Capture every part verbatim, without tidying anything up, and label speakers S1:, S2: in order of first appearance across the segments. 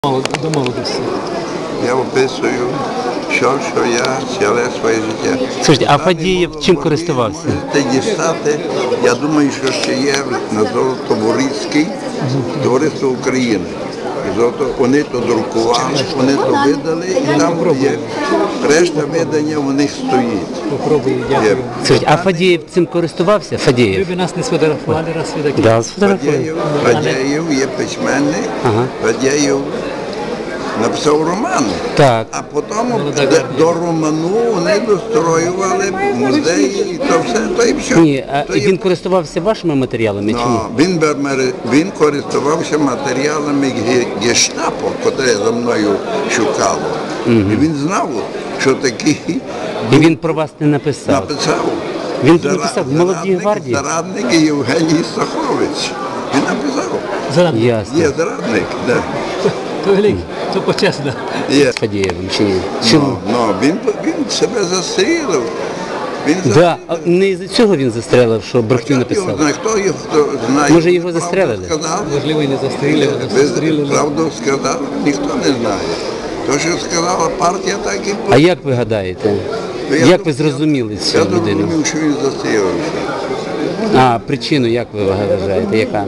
S1: До молодості.
S2: Я описую, що, що я ціле своє життя.
S3: Слушайте, а Фадієв чим користувався?
S2: Можете дістати, я думаю, що ще є на Золотоборізький товариство України. Золото, вони то друкували, вони то видали, і там є решта видання у них стоїть.
S1: Попробую, дякую.
S3: Слушайте, а Фадієв цим користувався?
S1: Ви
S3: Фадієв?
S1: б нас не сфотографували, раз ви такі.
S3: Да, сфотографував.
S2: Фадєєв, Фадєєв є письменник,
S3: Ага.
S2: Фадєєв написав роман.
S3: Так.
S2: А потім до роману вони достроювали музеї, і то все, то і все.
S3: Ні, а
S2: То є-
S3: він користувався вашими матеріалами чи ні?
S2: Ну, він, бермери- він користувався матеріалами ге- гештапо, котре за мною шукало. І він знав, що такий
S3: І він про вас не написав.
S2: написав.
S3: Він
S2: Зара-
S3: написав в «Молодій
S2: зарадник-
S3: гвардії».
S2: Зарадник Євгеній Сахович. Він написав.
S1: Зараз.
S3: Ясно.
S2: Є зрадник, да.
S1: То великий, то почесно.
S2: Є.
S3: З Фадієвим чи ні?
S2: Ну,
S3: Чому?
S2: ну, він, він себе застрілив. Він
S3: Да, а не з цього він застрелив, що брехню
S2: Його
S3: написав.
S2: знає, хто його хто знає.
S3: Може, його
S2: Правду
S3: застрелили?
S2: сказав?
S1: Можливо, і не застрілили, а
S2: Ви
S1: застрілили.
S2: правду сказав, ніхто не знає. То, що сказала партія, так і
S3: А як ви гадаєте?
S2: Ну, я
S3: Як
S2: дум-
S3: ви зрозуміли цю
S2: Я
S3: людину?
S2: зрозумів, що він застрілився.
S3: А, причину як ви вважаєте? Яка?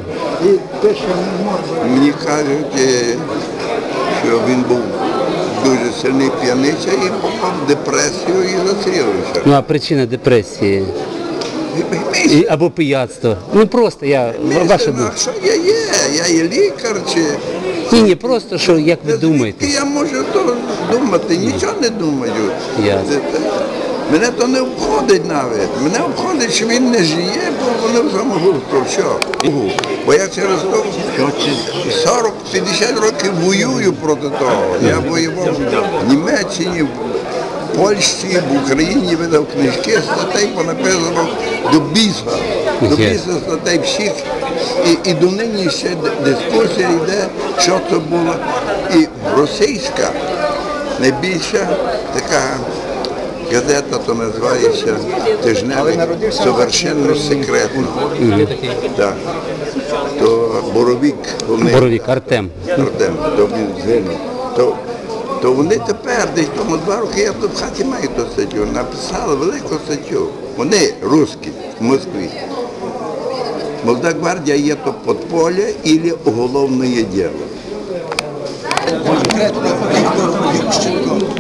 S2: Мені кажуть, е, що він був дуже сильний п'яниця і попав в депресію і застрілився.
S3: Ну а причина депресії? І, або пияцтво? Ну просто я, ваша
S2: А
S3: думка.
S2: що я є? Я є лікар чи...
S3: Ні, ні, просто що, як ви думаєте?
S2: Я можу то думати, нічого не думаю.
S3: Ясно.
S2: Це- це- Мене то не обходить навіть. Мене обходить, що він не жиє, бо вони самогубство. Що? Бо я через то сорок-п'ятдесят років воюю проти того. Я воював в Німеччині, в Польщі, в Україні, видав книжки, статей понаписано до біса. До біса статей всіх. І, і до нині ще дискусія йде, що це було. І російська найбільша така газета, то називається «Тижневик совершенно секретно». Так. То Боровик, вони,
S3: Боровік, Артем.
S2: Артем, то він згинув. То, то вони тепер, десь тому два роки, я тут в хаті маю ту статтю, написали велику статтю. Вони, русські, в Москві. Молода гвардія є то подполе або уголовне діло.